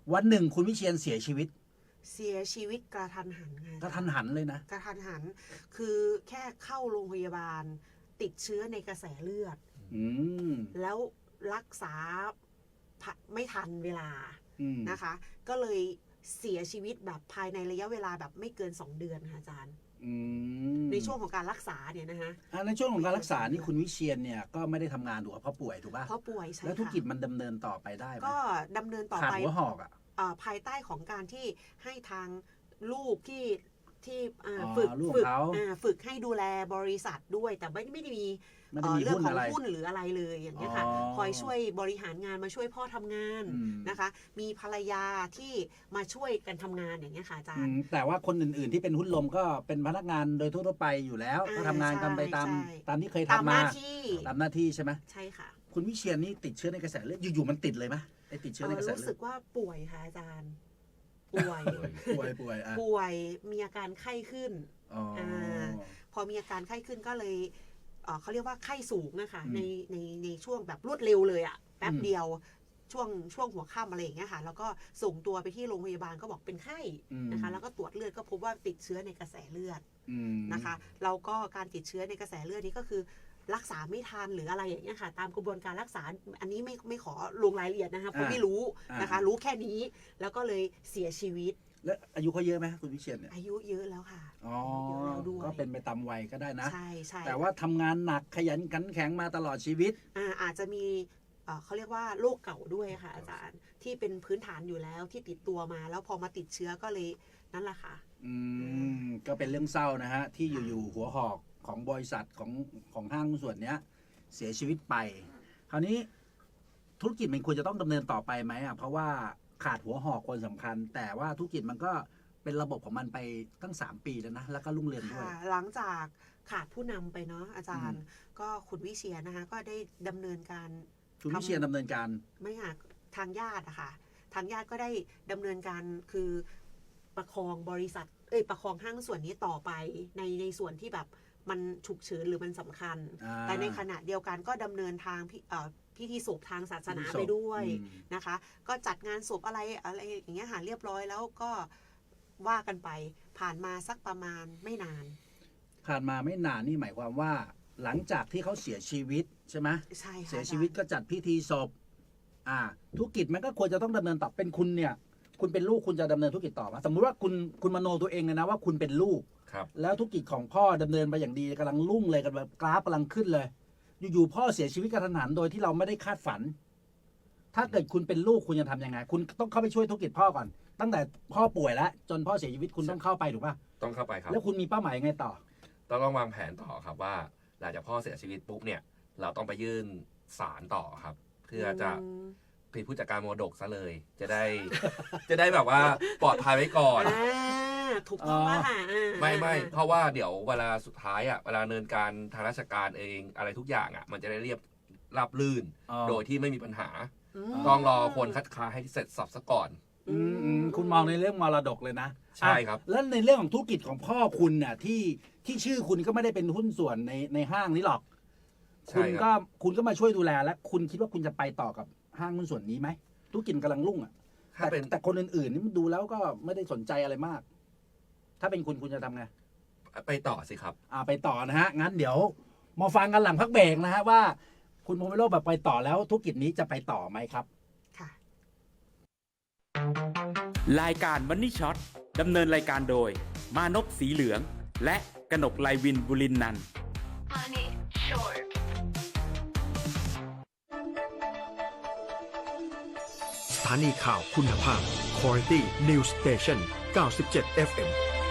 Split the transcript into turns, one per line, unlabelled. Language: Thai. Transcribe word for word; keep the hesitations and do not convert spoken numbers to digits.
วันหนึ่งคุณวิเชียรเสียชีวิต
เสียชีวิตกระทันหันไง
กระทันหันเลยนะ
กระทันหันคือแค่เข้าโรงพยาบาลติดเชื้อในกระแสเลือดแล้วรักษาไม่ทันเวลานะคะก็เลยเสียชีวิตแบบภายในระยะเวลาแบบไม่เกินสองเดือนค่ะอาจารย์ในช่วงของการรักษาเนี่ยนะคะ
ในช่วงของการรักษานี่คุณวิเชียรเนี่ยก็ไม่ได้ทำงานถูกเพราะป่วยถูกป่ะ
เพราะป่วยใช่
แล้วธุรกิจมันดำเนินต่อไปได้ไหม
ก็ดำเนินต่อไป
ขาดหัวหอกอ่ะ
ภายใต้ของการที่ให้ทางลูกที่ที่ฝึกฝึกฝึกให้ดูแลบริษัทด้วยแต่ไม่ไม่ได้มีเรื่องของหุ้นหรืออะไรเลยอย่างนี้ค่ะคอยช่วยบริหารงานมาช่วยพ่อทำงานนะคะมีภรรยาที่มาช่วยกันทำงานอย่างนี้ค่ะอาจารย์
แต่ว่าคนอื่นๆที่เป็นหุ้นลมก็เป็นพนักงานโดยทั่วไปอยู่แล้วก็ทำงานกันไปตามตามที่เคยทำมาตามหน้าที่ใช่ไหม
ใช่ค่ะ
คุณวิเชียรนี่ติดเชื้อในกระแสเลือดอยู่ๆมันติดเลยไหมไอติดเชื้อในกระแสเลือด
รู้สึกว่าป่วยค่ะอาจารย์ป่วย
ป่วยป่วย
ป่วยมีอาการไข้ขึ้นอพอมีอาการไข้ขึ้นก็เลยเขาเรียกว่าไข้สูงนะคะในในในช่วงแบบรวดเร็วเลยอะแป๊บเดียวช่วงช่วงหัวค่ำอะไรอย่างเงี้ยค่ะแล้วก็ส่งตัวไปที่โรงพยาบาลก็บอกเป็นไข้นะคะแล้วก็ตรวจเลือดก็พบว่าติดเชื้อในกระแสเลือดนะคะแล้วก็การติดเชื้อในกระแสเลือดนี้ก็คือรักษาไม่ทันหรืออะไรอย่างเงี้ยค่ะตามกระบวนการรักษาอันนี้ไม่ไม่ขอลงรายละเอียดนะคะเพราะไม่รู้นะคะรู้แค่นี้แล้วก็เลยเสียชีวิต
แล้วอายุเขาเยอะไหมคุณวิเชียรเนี่ย
อายุเยอะแล้วค่ะ
อ๋อก็เป็นไปตามวัยก็ได้นะ
ใช่ใช่
แต่ว่าทำงานหนักขยันขันแข็งมาตลอดชีวิต
อ่าอาจจะมีเขาเรียกว่าโรคเก่าด้วยค่ะอาจารย์ที่เป็นพื้นฐานอยู่แล้วที่ติดตัวมาแล้วพอมาติดเชื้อก็เลยนั่นแหละค่ะ
อืมก็เป็นเรื่องเศร้านะฮะที่อยู่ๆหัวหอกของบริษัทของของห้างส่วนเนี้ยเสียชีวิตไปคราวนี้ธุรกิจมันควรจะต้องดำเนินต่อไปไหมอ่ะเพราะว่าขาดหัวหอกคนสำคัญแต่ว่าธุรกิจมันก็เป็นระบบของมันไปตั้งสามปีแล้วนะแล้วก็รุ่งเรืองด้วย
หลังจากขาดผู้นำไปเนาะอาจารย์ก็คุณวิเชียรนะคะก็ได้ดำเนินการ
คุณวิเชียรดำเนินการ
ไม่ค่ะทางญาติอะค่ะทางญาติก็ได้ดำเนินการคือประคองบริษัทเอ้ยประคองห้างส่วนนี้ต่อไปในในส่วนที่แบบมันฉุกเฉินหรือมันสำคัญแต่ในขณะเดียวกันก็ดำเนินทางพิธีศพทางศาสนาไปด้วยนะคะก็จัดงานศพอะไรอะไรอย่างเงี้ยหาเรียบร้อยแล้วก็ว่ากันไปผ่านมาสักประมาณไม่นาน
ผ่านมาไม่นานนี่หมายความว่าหลังจากที่เขาเสียชีวิตใช่ไหม
ใช่ค่ะ
เสียชีวิตก็จัดพิธีศพอ่าธุรกิจมันก็ควรจะต้องดำเนินต่อเป็นคุณเนี่ยคุณเป็นลูกคุณจะดำเนินธุรกิจต่อมาสมมุติว่าคุณคุณมโนตัวเองเลยนะว่าคุณเป็นลูกแล้วธุรกิจของพ่อดำเนินไปอย่างดีกำลังรุ่งเลยกันแบบกราฟกำลังขึ้นเลยอยู่ๆพ่อเสียชีวิตกระทันหันโดยที่เราไม่ได้คาดฝันถ้าเกิดคุณเป็นลูกคุณจะทำยังไงคุณต้องเข้าไปช่วยธุรกิจพ่อก่อนตั้งแต่พ่อป่วยแล้วจนพ่อเสียชีวิตคุณต้องเข้าไปถูกป่ะ
ต้องเข้าไปครับ
แล้วคุณมีเป้าหมายยังไงต่อ
ต้องต้องวางแผนต่อครับว่าหลังจากพ่อเสียชีวิตปุ๊บเนี่ยเราต้องไปยื่นศาลต่อครับเพื่อจะเป็นผู้จัดการมรดกซะเลยจะได้จะได้แบบว่าปลอดภัยไว้ก่อน
ถูกต้องว่า
ไม่ไม่เพราะว่าเดี๋ยวเวลาสุดท้ายอ่ะเวลาเนินการทางราชการเองอะไรทุกอย่างอ่ะมันจะได้เรียบราบลื่นโดยที่ไม่มีปัญหาต้องรอคนคัดค้านให้เสร็จสับซะก่อน
คุณมองในเรื่องมรดกเลยนะ
ใช่ครับ
แล้วในเรื่องของธุรกิจของพ่อคุณน่ะที่ที่ชื่อคุณก็ไม่ได้เป็นหุ้นส่วนในในห้างนี้หรอกคุณก็คุณก็มาช่วยดูแลและคุณคิดว่าคุณจะไปต่อกับห้างหุ้นส่วนนี้ไหมธุรกิจกำลังรุ่งอ่ะแต่แต่คนอื่นๆนี่มันดูแล้วก็ไม่ได้สนใจอะไรมากถ้าเป็นคุณคุณจะทำไง
ไปต่อสิครับ
อ่าไปต่อนะฮะงั้นเดี๋ยวมาฟังกันหลังพักเบรกนะฮะว่าคุณพงศ์วิโรจน์แบบไปต่อแล้วธุรกิจนี้จะไปต่อไหมครับ
ค่ะ
รายการ Money Shot ดำเนินรายการโดยมานพสีเหลืองและกนกไลวินบุรินนันท์
สถานีข่าวคุณภาพ Quality News Station เก้าสิบเจ็ด เอฟ เอ็ม